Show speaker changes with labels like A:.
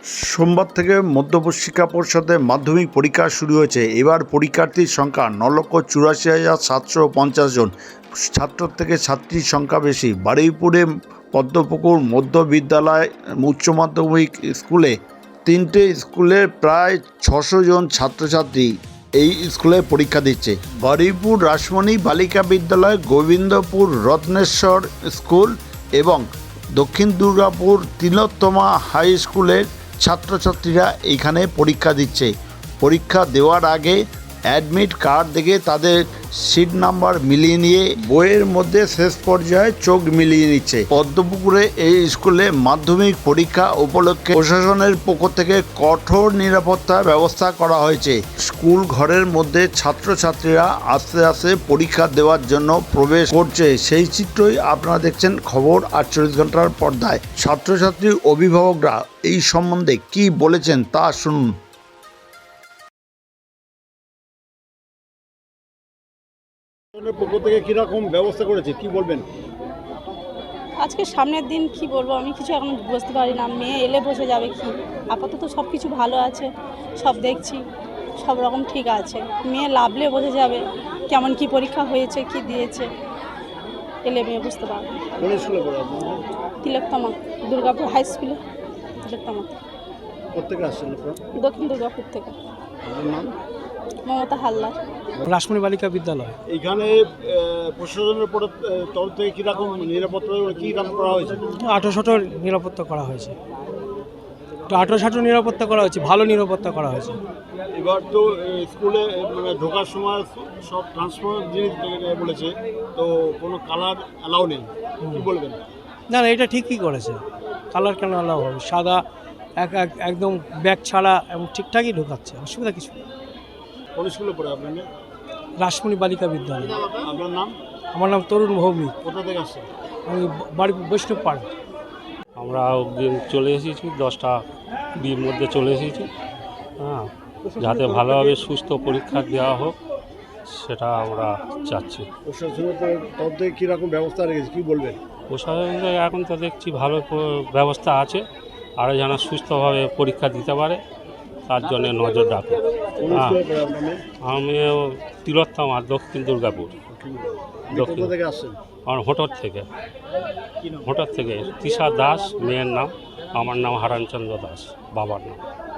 A: সোমবার থেকে মধ্যপ্রদেশ শিক্ষা পর্ষদের মাধ্যমিক পরীক্ষা শুরু হয়েছে। এবার পরীক্ষার্থীর সংখ্যা 9,84,750 জন। ছাত্র থেকে ছাত্রীর সংখ্যা বেশি। বারুইপুরে পদ্মপুকুর মধ্য বিদ্যালয় উচ্চ মাধ্যমিক স্কুলে 3টে স্কুলের প্রায় 600 জন ছাত্রছাত্রী এই স্কুলে পরীক্ষা দিচ্ছে। বারুইপুর রাসমণি বালিকা বিদ্যালয়, গোবিন্দপুর রত্নেশ্বর স্কুল এবং দক্ষিণ দুর্গাপুর তিলোত্তমা হাই স্কুলের ছাত্রছাত্রীরা এখানে পরীক্ষা দিচ্ছে। পরীক্ষা দেওয়ার আগে অ্যাডমিট কার্ড দেখে তাদের সিট নাম্বার মিলিয়ে নিয়ে বইয়ের মধ্যে শেষ পর্যায়ে চোখ মিলিয়ে নিচ্ছে। পদ্মপুকুরে এই স্কুলে মাধ্যমিক পরীক্ষা উপলক্ষে প্রশাসনের পক্ষ থেকে কঠোর নিরাপত্তা ব্যবস্থা করা হয়েছে। স্কুল ঘরের মধ্যে ছাত্রছাত্রীরা আস্তে আস্তে পরীক্ষা দেওয়ার জন্য প্রবেশ করছে, সেই চিত্রই আপনারা দেখছেন খবর 48 ঘন্টার পর্দায়। ছাত্রছাত্রীর অভিভাবকরা এই সম্বন্ধে কি বলেছেন তা শুনুন।
B: পক্ষ থেকে কিরকম ব্যবস্থা করেছে কি বলবেন?
C: আজকে সামনের দিন কি বলবো, আমি কিছু এখন বুঝতে পারি না। মেয়ে এলে বসে যাবে কি, আপাতত সব কিছু ভালো আছে, সব দেখছি সব রকম ঠিক আছে। মেয়ে লাভলে বসে যাবে কেমন কি পরীক্ষা হয়েছে কি দিয়েছে, এলে মেয়ে বুঝতে পারবে।
B: কোন স্কুলে পড়ে আপনারা?
C: তিলোত্তমা দুর্গাপুর হাই স্কুলে। তিলোত্তমা
B: কোথেকে আসছেন আপনারা?
C: দক্ষিণ দুর্গাপুর থেকে।
B: আপনার নাম?
C: মমতা হালদার,
D: রাসমণি বালিকা বিদ্যালয়।
B: এইখানে প্রশাসনের তরফ থেকে কিরকম নিরাপত্তা কি কাজ করা হয়েছে?
D: 1800 নিরাপত্তা করা হয়েছে, 1800 নিরাপত্তা করা হয়েছে, ভালো নিরাপত্তা করা হয়েছে।
B: এবার তো স্কুলে মানে ঢোকার সময় সব ট্রান্সফার জিনিস বলেছে, তো কোনো কালার অ্যালাউ নেই, কি বলবেন?
D: না না, এটা ঠিকই করেছে। কালার কেন আলাদা হবে? সাদা একদম ব্যাগ ছাড়া এবং ঠিকঠাকই ঢোকাচ্ছে, অসুবিধা কিছু নেই।
B: কোন স্কুলে পড়ে আপনার?
D: রাসমণি বালিকা বিদ্যালয়।
B: আপনার নাম?
D: আমার নাম তরুণ ভৌমিক,
B: কোথা থেকে আসছেন?
D: আমি বাড়ি বৈষ্ণব পাড়া।
E: আমরা চলে এসেছি 10টা বির মধ্যে চলে এসেছি, হ্যাঁ, যাতে ভালোভাবে সুস্থ পরীক্ষা দেওয়া হোক সেটা আমরা চাচ্ছি।
B: প্রশাসনের তরফ থেকে কীরকম ব্যবস্থা রেখেছে কি বলবেন?
E: প্রশাসন এখন তো দেখছি ভালো ব্যবস্থা আছে, আরও যেন সুস্থভাবে পরীক্ষা দিতে পারে তার জন্য নজর রাখে।
B: কোন
E: হ্যাঁ,
B: স্কুলে পড়ে আপনার মেয়ে?
E: আমিও তিলোত্তমা দক্ষিণ দুর্গাপুর। দক্ষিণ
B: কোথা থেকে আসছেন?
E: আমার হোটর থেকে তৃষা দাস মেয়ের নাম, আমার নাম হারানচন্দ্র দাস বাবার নাম।